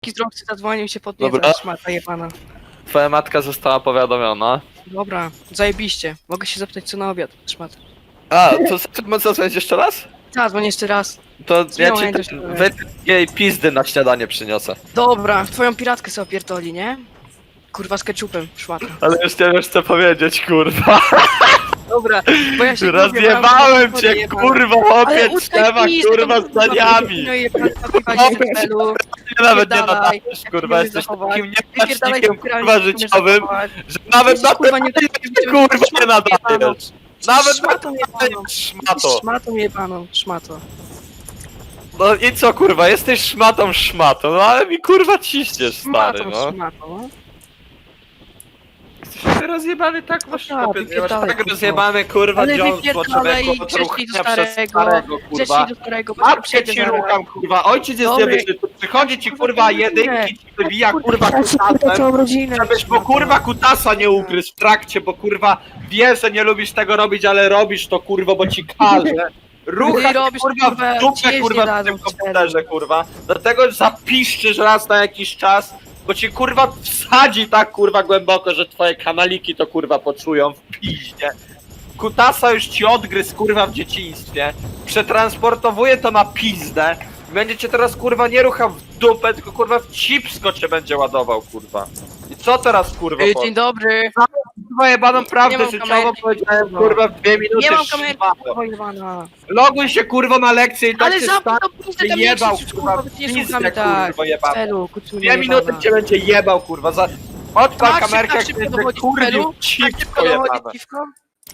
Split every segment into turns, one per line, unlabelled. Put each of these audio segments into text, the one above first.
Zdrowcy zadzwonił się podniecać,
Dobra.
szmata jebana.
Twoja matka została powiadomiona.
Dobra, zajebiście. Mogę się zapytać co na obiad, szmat.
A, to możesz zadzwonić jeszcze raz?
Zadzwoń jeszcze raz.
To ja
Zmiała
ci
język.
jej pizdy na śniadanie przyniosę.
Dobra, twoją piratkę sobie opierdoli, nie? Kurwa z ketchupem, szmata.
Ale już nie wiesz co powiedzieć, kurwa.
Dobra, bo ja się
Rozjebałem cię, kurwa,
Ale
chłopiec, temat, kurwa, zdaniami.
No i celu.
Ty nawet nie
Wypierdalaj.
nadajesz, kurwa,
Jak
jesteś
zachować.
takim
Wypierdalaj
niepacznikiem,
spiralnie,
kurwa,
jak umiesz
życiowym,
zachować.
że nawet na
Jesteś, kurwa,
ten
nie-
kurwa nie nadajesz. Nawet na
Szmatą jebaną.
szmato.
Szmatą jebaną, szmato.
No i co, kurwa, jesteś szmatą, no ale mi kurwa ciśniesz, stary,
Szmatą,
no.
szmatą, no.
Jesteś rozjebany tak, masz
tak,
chłopie, masz
wypierdalaj,
tak
kurwa.
rozjebany, kurwa,
Ale
dziąsło,
wypierdalaj,
człowieku, od
grzecznij do
ruchania przez
starego,
starego, kurwa.
Grzecznij do starego, bo
Matkę
przyjdzie
ci
zaraz.
rucham, kurwa, ojciec jest
Dobry.
niewyższy, tu przychodzi ci, kurwa,
Kurwa,
jedynki, ci wybija, kurwa,
Ja ci kurwa
kutasem,
całą rodzinę.
żebyś mu, kurwa, kutasa nie ugryzł w trakcie, bo, kurwa, wie, że nie lubisz tego robić, ale robisz to, kurwa, bo ci każe. Rucha
robisz,
kurwa,
kurwa,
w dupę,
ci jeździ
kurwa, w
dadzą
tym
w
komputerze, kurwa. Dlatego zapiszczysz raz na jakiś czas, bo ci, kurwa, wsadzi tak, kurwa, głęboko, że twoje kanaliki to, kurwa, poczują w piździe. Kutasa już ci odgryzł, kurwa, w dzieciństwie. Przetransportowuje to na pizdę. Będzie cię teraz, kurwa, nie ruchał w dupę, tylko, kurwa, w cipsko cię będzie ładował, kurwa. I co teraz, kurwa,
Dzień dobry.
kurwa, jebaną
Nie
prawdę
mam
życiową
kamerki,
powiedziałem,
kurwa.
kurwa, w 2 minuty.
Nie mam kamerki,
szmato.
kurwa jebana.
Loguj się, kurwa, na lekcję i tak
Ale
się
zamknij
stanie.
to pizdę, tam nie
Jebał,
krzyczysz,
kurwa,
kurwa, ty nie
pizdę,
słuchamy tak.
kurwa, jebana.
Celu, kucunie
2 minuty
jebana.
cię będzie jebał, kurwa, za... Odpal
Tak,
kamerkę,
tak szybko dochodzi
kurwił
celu? Tak
cipko
szybko dochodzi
jebane.
dziwko?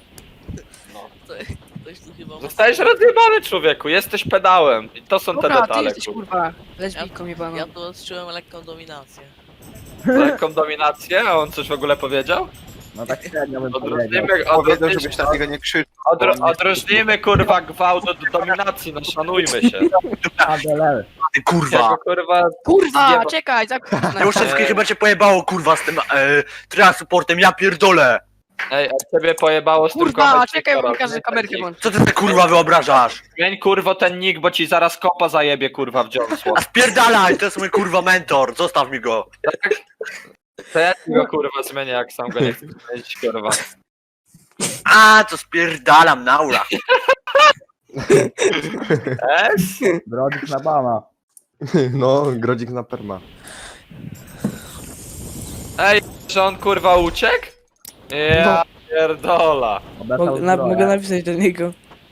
Ktoś tu chyba ma...
Zostajesz rozjebany, człowieku, jesteś pedałem. I to są te
Dobra, ty
detale,
jesteś
kurwa.
kurwa lesbijką jebaną.
Ja tu odczułem lekką dominację.
Lekką dominację, a on coś w ogóle powiedział?
No tak średnio bym powiedział.
Odróżnijmy,
Powiedział, żebyś na niego nie krzyczał.
odróżnijmy, kurwa, gwałt od dominacji, no szanujmy się.
ADL.
Ty
Jako,
kurwa!
kurwa,
Kurwa,
zjeba-
czekaj, zamknij
Ja już wszystkie chyba cię pojebało kurwa z tym transportem, ja pierdolę!
Ej, a ciebie pojebało z tym
Kurwa,
kochać
czekaj, bo mi
Wiktora,
każe
nie?
kamerkę włączyć.
Co ty te kurwa wyobrażasz?
Zmień, kurwo, ten nick, bo ci zaraz kopa zajebie, kurwa, w dziąsło.
A spierdalaj, to jest mój kurwa mentor, zostaw mi go!
To ja ci go, kurwa, zmienię, jak sam go nie chcę zmienić, kurwa.
A, to spierdalam na ura.
Es?
Brodzik na bana.
No, grodzik na perma.
Ej, że on, kurwa, uciekł? Ja pierdola.
Obełkał
Mogę napisać do niego.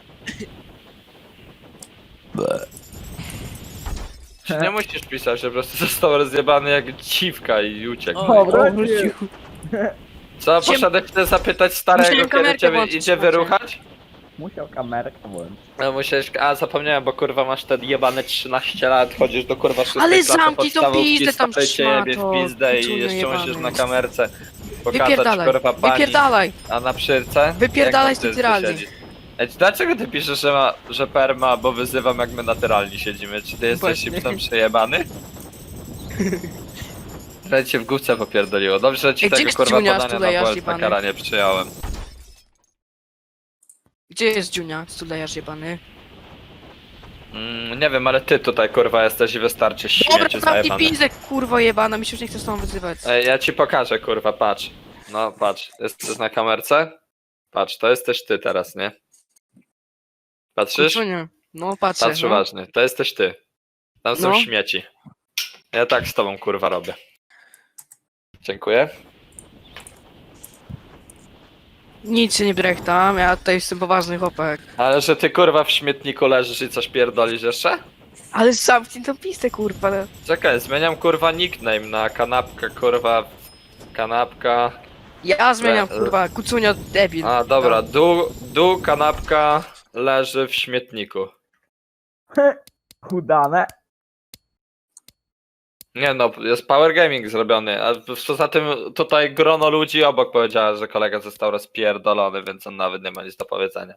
Nie musisz pisać, że po prostu został rozjebany jak dziwka i uciekł.
O,
Wrócił.
Co, poszedłeś się zapytać starego,
Musiałem
kiedy
kamerkę
cię
włączyć,
idzie
słuchajcie.
wyruchać?
Musiał kamerkę włączyć.
No musiałeś, a zapomniałem, bo kurwa masz te jebane 13 lat, chodzisz do kurwa 6
Ale
klasy
zamknij tą
podstawówki,
pizdę tam,
stary cię jebie w
szmato,
pizdę i
kucunie
jeszcze
jebany.
musisz na kamerce pokazać
Wypierdalaj,
kurwa pani,
wypierdalaj.
a na przyrce?
Wypierdalaj
Jak na przyrce
naturalnie.
siedzisz? Ej, dlaczego ty piszesz, że perma, bo wyzywam jak my naturalnie siedzimy? Czy ty jesteś
Właśnie.
hipsem przejebany? Trochę cię w główce popierdoliło. Dobrze, że ci
Ej, gdzie
tego
jest
kurwa
Junior,
podania na
stulejarz
bolt na
jebany?
karanie przyjąłem.
Gdzie jest Dziunia, stulejarz jebany?
Nie wiem, ale ty tutaj kurwa jesteś i wystarczy
Dobra,
śmieci
zamknij
zajebane.
pizdę, kurwo jebana, mi się już nie chce z tobą wyzywać.
Ej, ja ci pokażę kurwa, patrz. No patrz, jesteś na kamerce? Patrz, to jesteś ty teraz, nie? Patrzysz?
Kucunie. No patrzę,
Patrz
no.
uważnie, to jesteś ty. Tam są
No.
śmieci. Ja tak z tobą kurwa robię. Dziękuję.
Nic się nie brechtam, ja tutaj jestem poważny chłopak.
Ale że ty kurwa w śmietniku leżysz i coś pierdolisz jeszcze?
Ale zamknij tą pizdę, kurwa.
Czekaj, zmieniam kurwa nickname na kanapkę kurwa. Kanapka.
Ja zmieniam,
Le-
kurwa, kucunio debil.
A dobra, dół kanapka leży w śmietniku.
Udane.
Nie no, jest Power Gaming zrobiony, a poza tym tutaj grono ludzi obok powiedziała, że kolega został rozpierdolony, więc on nawet nie ma nic do powiedzenia.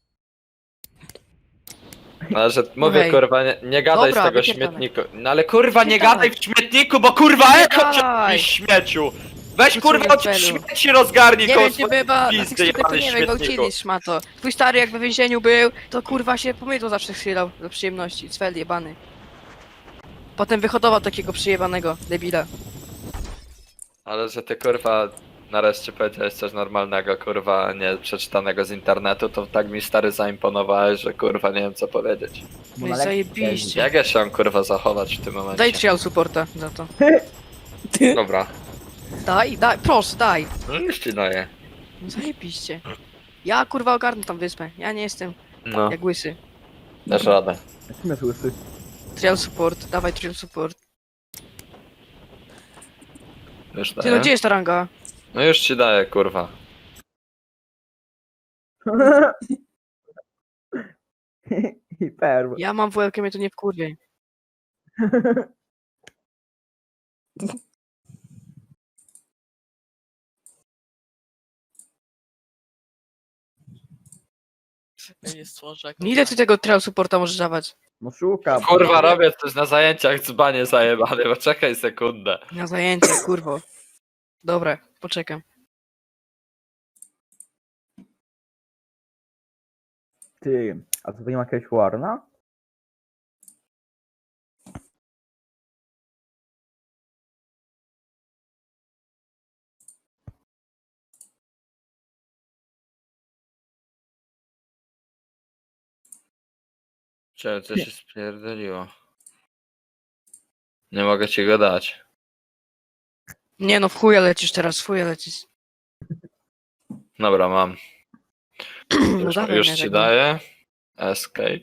Ale że mówię
Okej.
kurwa, nie gadaj
Dobra,
z tego
wypierdalaj.
śmietniku. No ale kurwa nie
Wypierdalaj.
gadaj w śmietniku, bo kurwa eko cię
Wypierdalaj.
i śmieciu! Weź
Kucunie
kurwa od
felu.
śmieci rozgarnij
Nie
koło
wiem, czy
swojej
by na
pizdy
tych sklepach
jebany
nie wiem,
śmietniku.
gwałcili, szmato. Twój stary jak we więzieniu był, to kurwa się pomydło zawsze chwilą do przyjemności. Cwel jebany. Potem wyhodował takiego przyjebanego debila.
Ale że ty kurwa nareszcie powiedziałeś coś normalnego, kurwa, nie przeczytanego z internetu, to tak mi stary zaimponowałeś, że kurwa nie wiem co powiedzieć.
No i zajebiście.
Jak ja się mam kurwa zachować w tym momencie?
Daj trial supporta za to.
Dobra.
Daj, proszę, daj.
No już ci daję.
No zajebiście. Ja kurwa ogarnę tam wyspę. Ja nie jestem
No,
jak łysy.
dasz radę.
Jesteśmy słysy.
Trial support, dawaj trial support.
Już
Ty no
daję.
gdzie jest ta ranga?
No już ci daję, kurwa.
I perł.
Ja mam WLK, mnie to nie wkurwie.
Ja nie stworzę jak
No ile ty tego trial supporta możesz dawać?
No szukam.
Kurwa, robię coś na zajęciach, dzbanie zajebany, poczekaj sekundę.
Na zajęcie, kurwo. Dobra, poczekam.
Ty, a co, to nie ma jakiegoś Warna?
Czemu co się spierdoliło? Nie mogę ci go dać.
Nie no, w chuja lecisz teraz, w chuja lecisz.
Dobra, mam.
No
Już,
dawaj
już
mnie
ci
tego.
daję. Escape.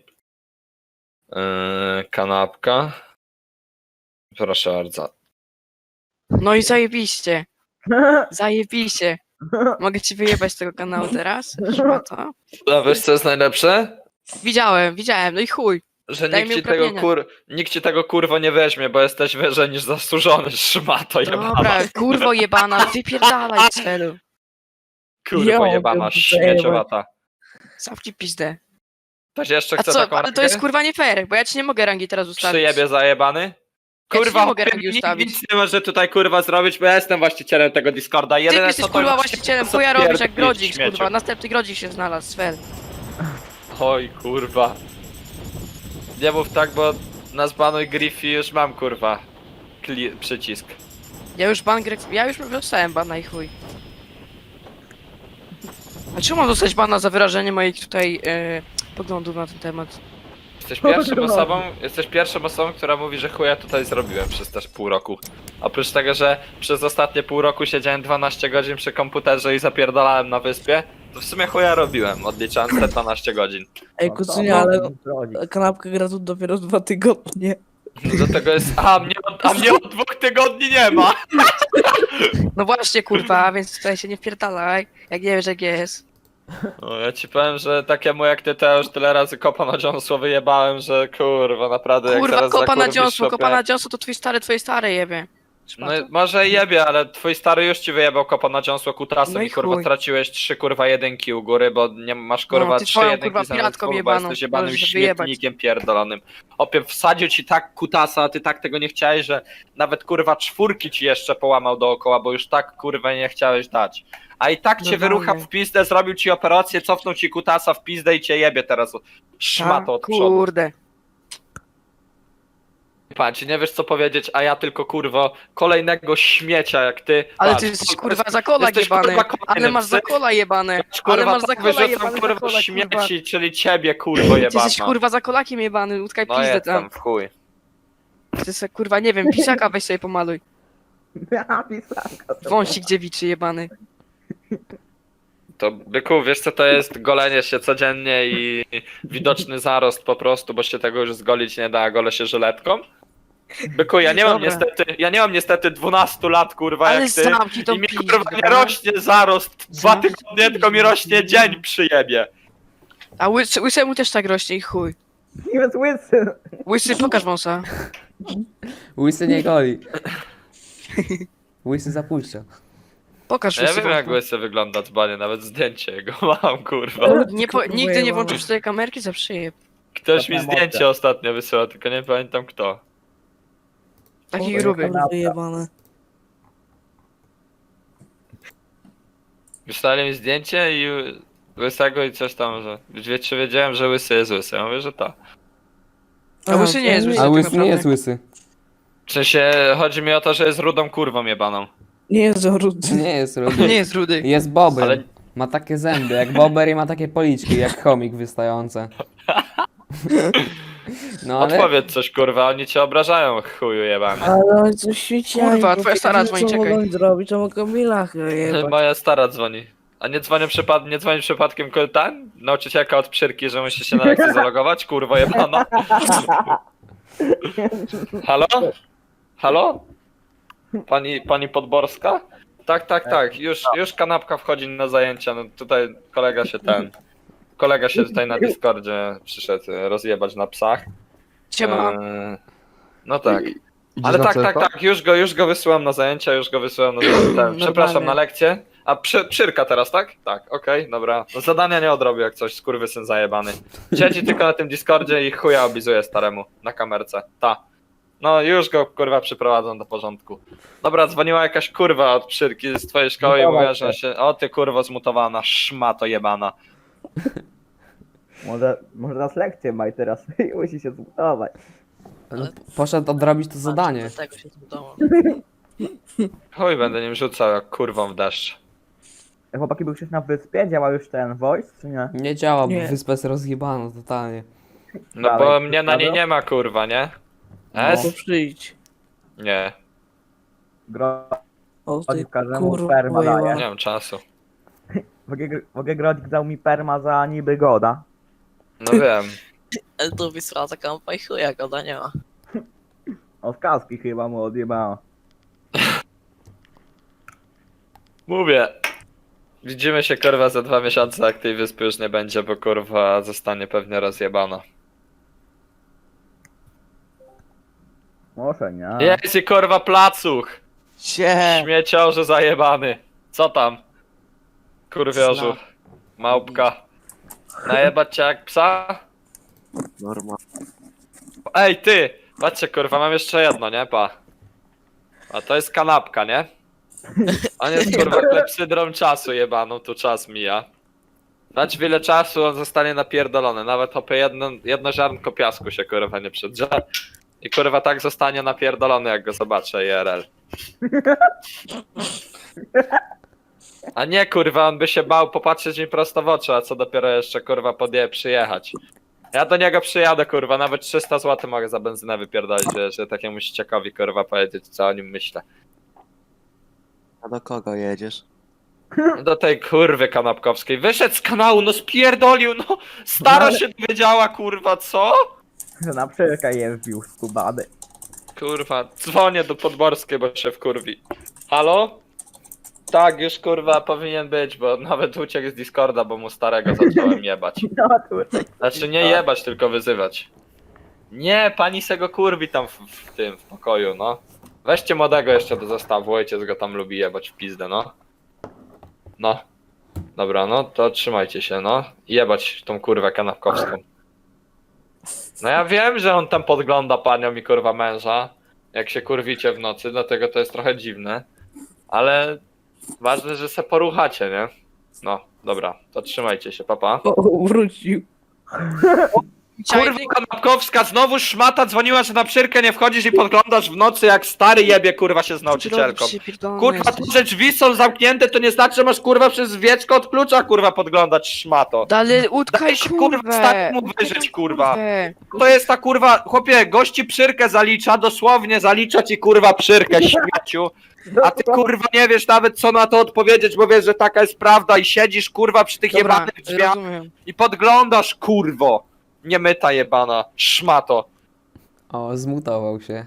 Kanapka. Proszę bardzo.
No i zajebiście. Zajebiście. Mogę ci wyjebać z tego kanału teraz? Szmato.
A wiesz co jest najlepsze?
Widziałem, no i chuj.
Że
Daj
nikt
mi
ci, tego
uprawnienia.
nikt ci tego kurwo nie weźmie, bo jesteś wyżej niż zasłużony, szmato jebana.
Dobra, kurwo jebana, wypierdalaj z celu.
Kurwo jebana, śmieciowata.
Zamknij pizdę.
Ktoś jeszcze
A
chce
co,
taką
ale to jest
rangę?
kurwa nie fair, bo ja ci nie mogę rangi teraz ustawić.
Przyjebie zajebany?
Ja ci
Kurwa,
nie mogę
chłopie,
rangi
nikt
ustawić.
nic nie może tutaj kurwa zrobić, bo ja jestem właścicielem tego Discorda.
Ty
Jedyne,
jesteś
co to
kurwa
jest-
właścicielem,
co
chuja robisz jak
pierdolisz,
Grodzik,
śmieciu.
kurwa. Następny Grodzik się znalazł, Svel.
Oj kurwa. Nie mów tak, bo na zbanuj Griffy już mam kurwa przycisk.
Ja już dostałem bana i chuj. A czemu mam dostać bana za wyrażenie moich tutaj poglądów na ten temat?
Jesteś pierwszą osobą, która mówi, że chuja tutaj zrobiłem przez też pół roku. Oprócz tego, że przez ostatnie pół roku siedziałem 12 godzin przy komputerze i zapierdalałem na wyspie, to w sumie chuja robiłem, odliczając te 12 godzin.
Ej,
No
kucynie,
to
ale
mogę zrobić.
kanapka gra tu dopiero 2 tygodnie.
Do tego jest. A mnie od 2 tygodni nie ma!
No właśnie kurwa, więc tutaj się nie wpierdalaj, jak nie wiesz jak jest.
No, ja ci powiem, że takiemu jak ty to już tyle razy kopa na dziąsło wyjebałem, że kurwa, naprawdę jak
Kurwa,
zaraz
kopa na
zakurwisz,
dziąsło,
chłopie.
kopa na dziąsło to twoje stare jebie.
No może jebie, ale twój stary już ci wyjebał kopa na dziąsło kutasem
No i
i kurwa
chuj.
straciłeś 3 kurwa jedynki u góry, bo nie masz kurwa
ty
3
twoją,
jedynki
kurwa,
zamiast
piratką
2, bo
jebaną.
jesteś jebanym
Możesz się wyjebać.
śmietnikiem pierdolonym. Opie wsadził ci tak kutasa, a ty tak tego nie chciałeś, że nawet kurwa 4 ci jeszcze połamał dookoła, bo już tak kurwa nie chciałeś dać. A i tak cię
No
wyrucha
dalej.
w pizdę, zrobił ci operację, cofnął ci kutasa w pizdę i cię jebie teraz szmato od przodu.
Kurde.
Patrz, nie wiesz co powiedzieć, a ja tylko kurwo kolejnego śmiecia jak ty.
Ale
Patrz,
ty jesteś
to
kurwa
jest-
zakola
jesteś,
jebany.
kurwa, kolejny
Ale masz
psy.
zakola jebane.
Patrz,
Ale
kurwa,
masz
tak
zakola
wyrzucam
jebane,
kurwa
zakola, kurwa.
śmieci, czyli ciebie kurwo
Ty
jebana.
jesteś kurwa zakolakiem jebany, utkaj
No
pizdę
jestem
tam.
w chuj.
Ty se kurwa nie wiem, pisaka weź sobie pomaluj.
Ja pisanka.
Wąsik dziewiczy jebany.
To byku, wiesz co to jest golenie się codziennie i widoczny zarost po prostu, bo się tego już zgolić nie da, a golę się żyletką? Byku, ja nie mam niestety 12 lat kurwa
Ale
jak ty.
zamknij tą
I mi
pizdę.
kurwa nie rośnie zarost 2
Zamknij
tygodnie, tylko mi rośnie dzień przyjebie.
A łysemu też tak rośnie i chuj.
Nie jest łysy.
Łysy, pokaż wąsa.
Łysy nie goli. Łysy zapuszcza.
Pokaż
Ja
łysy
wiem jak
wąsa.
łysy wygląda dzbanie, nawet zdjęcie jego mam kurwa.
Nigdy nie włączysz tej kamerki, za przyjeb.
Ktoś mi
Potem
zdjęcie
mogę.
ostatnio wysyłał, tylko nie pamiętam kto.
Taki
O,
gruby.
Prawda.
Wyjebane.
Wysłali mi zdjęcie i łysego i coś tam, że czy wiedziałem, że łysy jest łysy. Ja mówię, że to.
A łysy nie jest łysy.
A
tak
łysy nie
naprawdę.
jest łysy.
W sensie, chodzi mi o to, że jest rudą kurwą jebaną.
Nie jest rudy.
Nie jest rudy.
Nie jest rudy.
Jest bober.
Ale-
Ma takie zęby jak bober i ma takie policzki jak chomik wystające. No ale...
Odpowiedz coś kurwa, oni cię obrażają, chuju jebany.
Ale oni coś świeciają.
Kurwa,
bo
twoja stara
wiedzą,
dzwoni,
co
czekaj.
mogą zrobić, to mogą Milach jebać.
Moja stara dzwoni. A nie dzwoni przypadkiem ten? Nauczycielka od przyrki, że musi się na lekcję zalogować? Kurwa jebana. Halo? Halo? Pani Podborska? Tak, już kanapka wchodzi na zajęcia, no tutaj kolega się tutaj na Discordzie przyszedł rozjebać na psach.
Siema.
No tak.
Idziesz
Ale
na
tak,
CFA?
już go wysyłam na zajęcia, przepraszam, na lekcję. A przyrka teraz, tak? Tak, okej, dobra. No, zadania nie odrobił jak coś, skurwysyn zajebany. Siedzi tylko na tym Discordzie i chuja obizuje staremu na kamerce. No już go kurwa przyprowadzą do porządku. Dobra, dzwoniła jakaś kurwa od przyrki z twojej szkoły i mówiła, że się... O ty kurwa zmutowana, szmato jebana.
Może nas lekcję ma i teraz musi się zmutować.
No, poszedł odrobić to zadanie.
Dlatego się zbudował.
Chuj, będę nim rzucał jak kurwą w deszcz.
Chłopaki, był już na wyspie, działa już ten voice, czy nie?
Nie działa, bo
Nie.
wyspa jest rozjebana totalnie.
No
Dalej,
bo mnie na niej
dobra.
nie ma kurwa, nie?
To
S?
przyjdź.
Nie,
O ty
każdemu
kurwa
perma daje.
nie mam czasu.
Mogę Grodzik dał mi perma za niby goda.
No wiem.
Ale tu wysłała taka kampa i chuja goda nie ma.
Od kaski chyba mu odjebało.
Mówię. Widzimy się kurwa za 2 miesiące, jak tej wyspy już nie będzie, bo kurwa zostanie pewnie rozjebana.
Może nie.
Jest i kurwa placuch! Śmieciorze zajebany. Co tam? Kurwiorzu. Małpka. Najebać cię jak psa?
Norma.
Ej ty! Patrzcie kurwa, mam jeszcze jedno, nie? Pa. A to jest kanapka, nie? On jest kurwa klepsydrą czasu jebaną, tu czas mija. Dać wiele czasu, on zostanie napierdolony. Nawet hopy jedno ziarnko piasku się kurwa nie przedrze. I kurwa tak zostanie napierdolony, jak go zobaczę IRL. A nie kurwa, on by się bał popatrzeć mi prosto w oczy, a co dopiero jeszcze kurwa przyjechać. Ja do niego przyjadę kurwa, nawet 300 zł mogę za benzynę wypierdolić, że takiemu ściekowi kurwa powiedzieć, co o nim myślę.
A do kogo jedziesz?
Do tej kurwy kanapkowskiej. Wyszedł z kanału, no spierdolił, no stara się dowiedziała kurwa, co?
Że na przyrka je wbił skubany.
Kurwa, dzwonię do Podborskiej, bo się wkurwi. Halo? Tak, już kurwa powinien być, bo nawet uciekł z Discorda, bo mu starego zacząłem jebać.
No tutaj.
Znaczy nie jebać, tylko wyzywać. Nie, pani se go kurwi tam w tym, w pokoju, no. Weźcie młodego jeszcze do zestawu, ojciec go tam lubi jebać w pizdę, no. No. Dobra, no to trzymajcie się, no. I jebać tą kurwę kanapkowską. No ja wiem, że on tam podgląda panią i kurwa męża, jak się kurwicie w nocy, dlatego to jest trochę dziwne. Ale ważne, że se poruchacie, nie? No, dobra, to trzymajcie się, papa.
O, wrócił.
Kurwa kanapkowska, znowu szmata dzwoniła, że na przyrkę nie wchodzisz i podglądasz w nocy jak stary jebie kurwa się z nauczycielką. Kurwa, to, że drzwi są zamknięte, to nie znaczy, że masz kurwa przez wieczko od klucza kurwa podglądać szmato.
Dalej utkaj
Daj się kurwa
kurwę.
staremu wyżyć kurwa.
Kurwę.
To jest ta kurwa, chłopie, gości przyrkę zalicza, dosłownie zalicza ci kurwa przyrkę, śmieciu. A ty kurwa nie wiesz nawet co na to odpowiedzieć, bo wiesz, że taka jest prawda i siedzisz kurwa przy tych
Dobra,
jebanych drzwiach
rozumiem.
i podglądasz kurwo. Niemyta jebana, szmato.
O, zmutował się.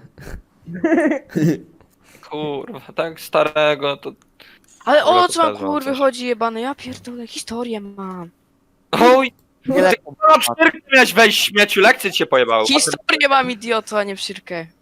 Kurwa, tak starego to...
Ale
Dobra,
o
to
co
też mam
kurwy
coś.
chodzi jebany? Ja pierdolę, historię mam.
Oj! Ty kurwa przyrkę miałeś wejść śmieciu, lekcje ci się pojebały.
Historię mam idioto, a nie przyrkę.